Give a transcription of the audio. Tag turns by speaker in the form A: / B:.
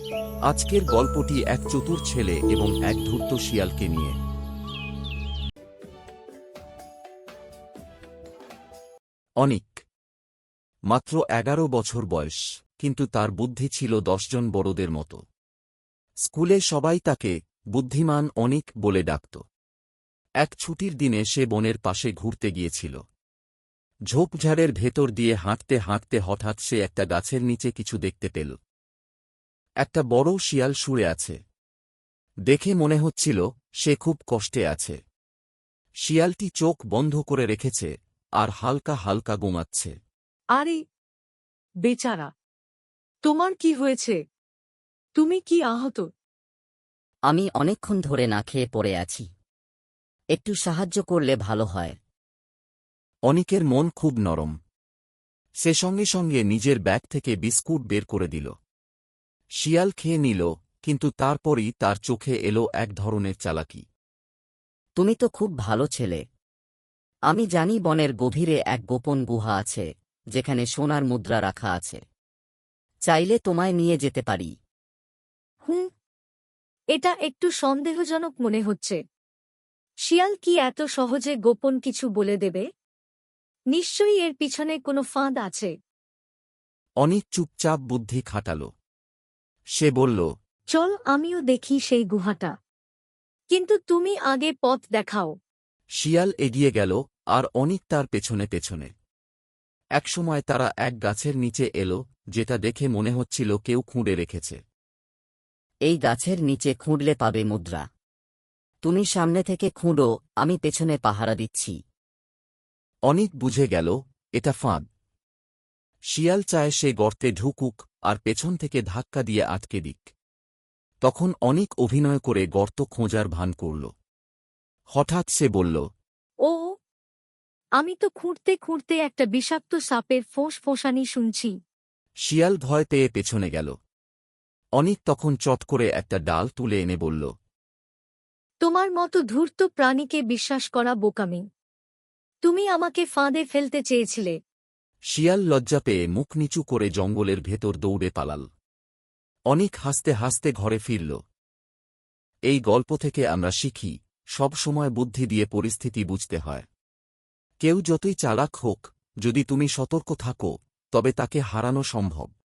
A: আজকের গল্পটি এক চতুর ছেলে এবং এক ধূর্ত শিয়ালকে নিয়ে। অনিক মাত্র 11 বছর বয়স, কিন্তু তার বুদ্ধি ছিল 10 জন বড়দের মতো। স্কুলে সবাই তাকে বুদ্ধিমান অনিক বলে ডাকত। এক ছুটির দিনে সে বনের পাশে ঘুরতে গিয়েছিল। ঝোপঝাড়ের ভেতর দিয়ে হাঁটতে হাঁটতে হঠাৎ সে একটা গাছের নিচে কিছু দেখতে পেল। একটা বড় শিয়াল শুয়ে আছে। দেখে মনে হচ্ছিল সে খুব কষ্টে আছে। শিয়ালটি চোখ বন্ধ করে রেখেছে আর হালকা হালকা ঘুমাচ্ছে।
B: আরে বেচারা, তোমার কি হয়েছে? তুমি কি আহত?
C: আমি অনেকক্ষণ ধরে না খেয়ে পড়ে আছি। একটু সাহায্য করলে ভালো হয়।
A: অনিকের মন খুব নরম। সে সঙ্গে সঙ্গে নিজের ব্যাগ থেকে বিস্কুট বের করে দিল। শিয়াল খেয়ে নিল, কিন্তু তারপরই তার চোখে এলো এক ধরনের চালাকি।
C: তুমি তো খুব ভালো ছেলে। আমি জানি বনের গভীরে এক গোপন গুহা আছে, যেখানে সোনার মুদ্রা রাখা আছে। চাইলে তোমায় নিয়ে যেতে পারি।
B: হুম, এটা একটু সন্দেহজনক মনে হচ্ছে। শিয়াল কি এত সহজে গোপন কিছু বলে দেবে? নিশ্চয়ই এর পিছনে কোনো ফাঁদ আছে।
A: অনিক চুপচাপ বুদ্ধি খাটাল। সে বলল,
B: চল আমিও দেখি সেই গুহাটা, কিন্তু তুমি আগে পথ দেখাও।
A: শিয়াল এগিয়ে গেল আর অনিক তার পেছনে পেছনে। একসময় তারা এক গাছের নিচে এলো, যেটা দেখে মনে হচ্ছিল কেউ খুঁড়ে রেখেছে।
C: এই গাছের নিচে খুঁড়লে পাবে মুদ্রা। তুমি সামনে থেকে খুঁড়ো, আমি পেছনে পাহারা দিচ্ছি।
A: অনিক বুঝে গেল এটা ফাঁদ। শিয়াল চায় সে গর্তে ঢুকুক আর পেছন থেকে ধাক্কা দিয়ে আটকে দিক। তখন অনিক অভিনয় করে গর্ত খোঁজার ভান করল। হঠাৎ সে বলল,
B: ও, আমি তো খুঁড়তে খুঁড়তে একটা বিষাক্ত সাপের ফোঁস-ফোঁসানি শুনছি।
A: শিয়াল ভয় পেয়ে পেছনে গেল। অনিক তখন চট করে একটা ডাল তুলে এনে বলল,
B: তোমার মতো ধূর্ত প্রাণীকে বিশ্বাস করা বোকামি। তুমি আমাকে ফাঁদে ফেলতে চেয়েছিলে।
A: শিয়াল লজ্জা পেয়ে মুখ নিচু করে জঙ্গলের ভেতর দৌড়ে পালাল। অনিক হাসতে হাসতে ঘরে ফিরল। এই গল্প থেকে আমরা শিখি, সব সময় বুদ্ধি দিয়ে পরিস্থিতি বুঝতে হয়। কেউ যতই চালাক হোক, যদি তুমি সতর্ক থাকো, তবে তাকে হারানো সম্ভব।